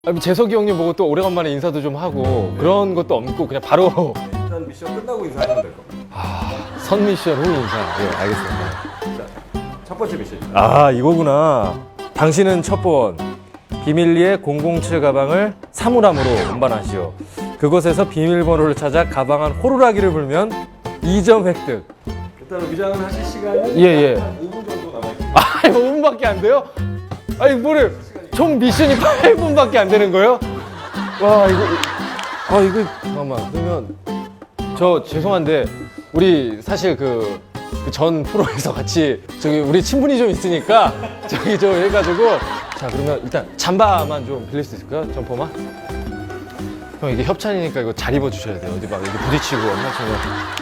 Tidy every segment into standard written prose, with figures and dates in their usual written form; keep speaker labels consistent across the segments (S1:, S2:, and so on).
S1: 재석이 형님 보고 또 오래간만에 인사도 좀 하고 그런 것도 없고 그냥 바로
S2: 일단 미션 끝나고 인사하시면 될 겁니다.
S1: 선 미션 후 인사. 네, 알겠습니다.
S2: 자, 첫 번째 미션입니다.
S1: 아, 이거구나. 당신은 첫 번 비밀리에 007 가방을 사물함으로 운반하시오. 그곳에서 비밀번호를 찾아 가방 안 호루라기를 불면 2점 획득.
S2: 일단 위장을 하실 시간이
S1: 예.
S2: 한 5분 정도 남아있습니다.
S1: 아, 5분밖에 안 돼요? 아니, 뭐를 총 미션이 8분밖에 안 되는 거예요? 와, 이거 잠깐만. 그러면 저 죄송한데 우리 사실 그 전 프로에서 같이 저기 우리 친분이 좀 있으니까 저기 좀 해가지고 자, 그러면 일단 잠바만 좀 빌릴 수 있을까요? 점퍼만? 형, 이게 협찬이니까 이거 잘 입어주셔야 돼요. 어디 막 여기 부딪히고 엄마처럼.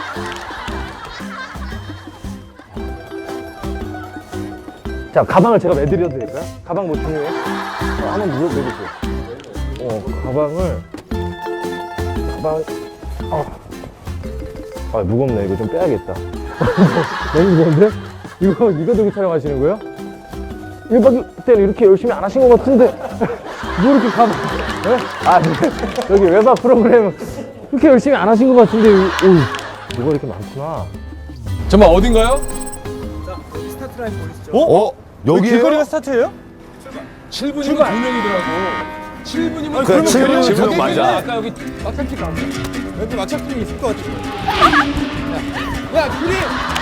S1: 자, 가방을 제가 매드려도 될까요? 가방 뭐 중요해? 한번 매주세요. 가방. 무겁네. 이거 좀 빼야겠다. 너무 무거운데? 이거 들고 촬영하시는 거예요? 1박 때는 이렇게 열심히 안 하신 것 같은데 뭐 이렇게 가방? 네? 여기 외박 프로그램 그렇게 열심히 안 하신 것 같은데 뭐가 이렇게 많구나. 정말 어딘가요?
S2: 스타트 라인 보이시죠?
S3: 여기
S4: 길거리가 스타트예요?
S1: 7분이면 2명이더라고. 7분이면
S3: 그래, 7분이면
S1: 저기
S3: 저기
S1: 맞아.
S3: 있네.
S1: 아까 여기 막혔지가 않네.
S4: 여기 마차품이 있을 것 같아.
S1: 야, 둘이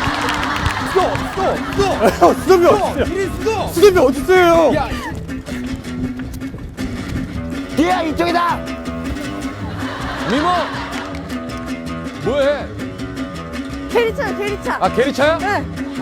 S4: 수덤이 어딨어요? 수덤이 어딨어요?
S1: 야,
S3: 야 이쪽이다.
S1: 미모 뭐해?
S5: 캐리차요, 캐리차.
S1: 아, 게리차야?
S5: 네.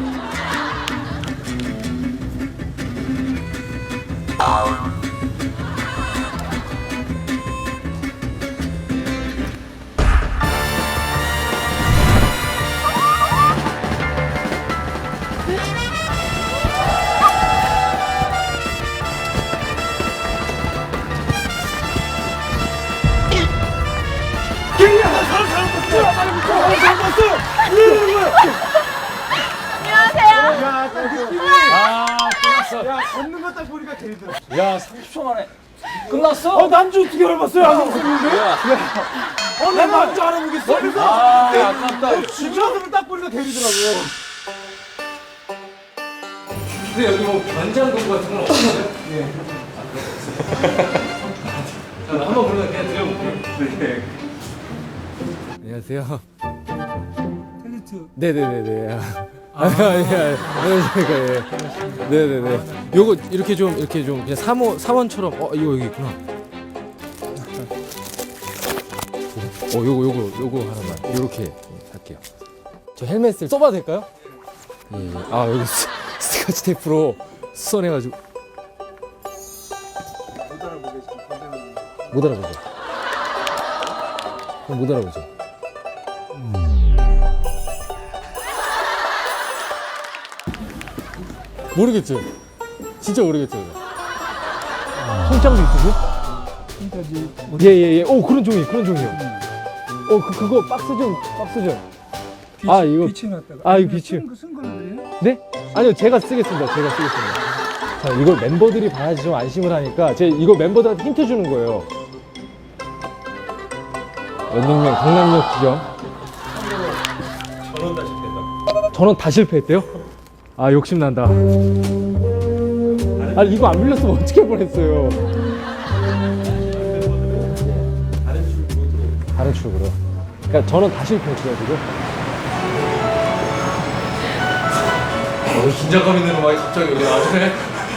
S5: 안녕하세요.
S1: 아, 끝났어.
S4: 야, 걷는 거 딱 보니까 데리더라.
S1: 야, 30초 만에 끝났어?
S4: 난주 어떻게 알아봤어요? 안 웃었는데? 난 난주 알아보겠어?
S1: 아, 아깝다.
S4: 주저하면 딱 보니까 데리더라고.
S1: 근데 여기 뭐 변장금 같은 건 없어요? 네. 자, 한번 그러면 그냥 드려볼게요.
S2: 네.
S1: 안녕하세요.
S4: 텔리트.
S1: 네네네네. 안녕하십니까. 예. 네네네. 요거 이렇게 좀 그냥 사원처럼 이거 여기 있구나. 요거 하나만 요렇게 할게요. 저 헬멧을 써봐도 될까요? 예. 아, 여기 스카치 테이프로 수선해가지고 못 알아보죠. 그럼 못 알아보죠. 모르겠죠? 진짜 모르겠죠? 손장도 있으세요?
S4: 지금까지
S1: 예예예. 오, 그런 종이요. 그거 박스 좀. 아, 이거
S4: 빛이 났다가.
S1: 이거 빛이.
S4: 쓴 거예요?
S1: 네? 아니요, 제가 쓰겠습니다. 자, 이걸 멤버들이 봐야지 좀 안심을 하니까 이거 멤버들한테 힌트 주는 거예요. 런닝맨 강남역 지점. 전원 다 실패했대요? 아, 욕심난다. 아니, 이거 안 빌렸으면 어떻게 할 뻔했어요. 다른 출구로. 그러니까 전원 다 실패했어요, 지금. 긴장감 있는 음악이 갑자기 여기 나오네.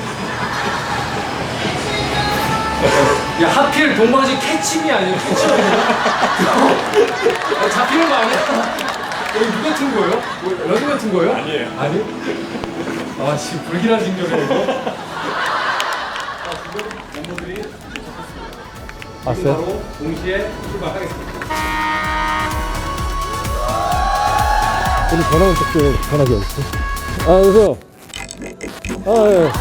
S1: 야, 하필 동방신 캐치미 아니에요? 캐치미. 잡히는 거 아니야? 여기 누가 튼 거예요? 런닝맨 튼 거예요? 아니에요. 아니? 아, 지금 불길한 징조네, 이거.
S2: 지금 멤버들이
S1: 왔어요?
S2: 바로 동시에 출발하겠습니다.
S1: 우리 전화원 쪽에 전화기 어딨어? 여보세요? 예.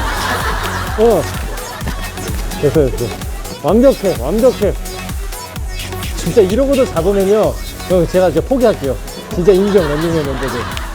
S1: 됐어. 완벽해. 진짜 이러고도 잡으면요. 형, 제가 이제 포기할게요. 진짜 인정, 런닝맨 멤버들.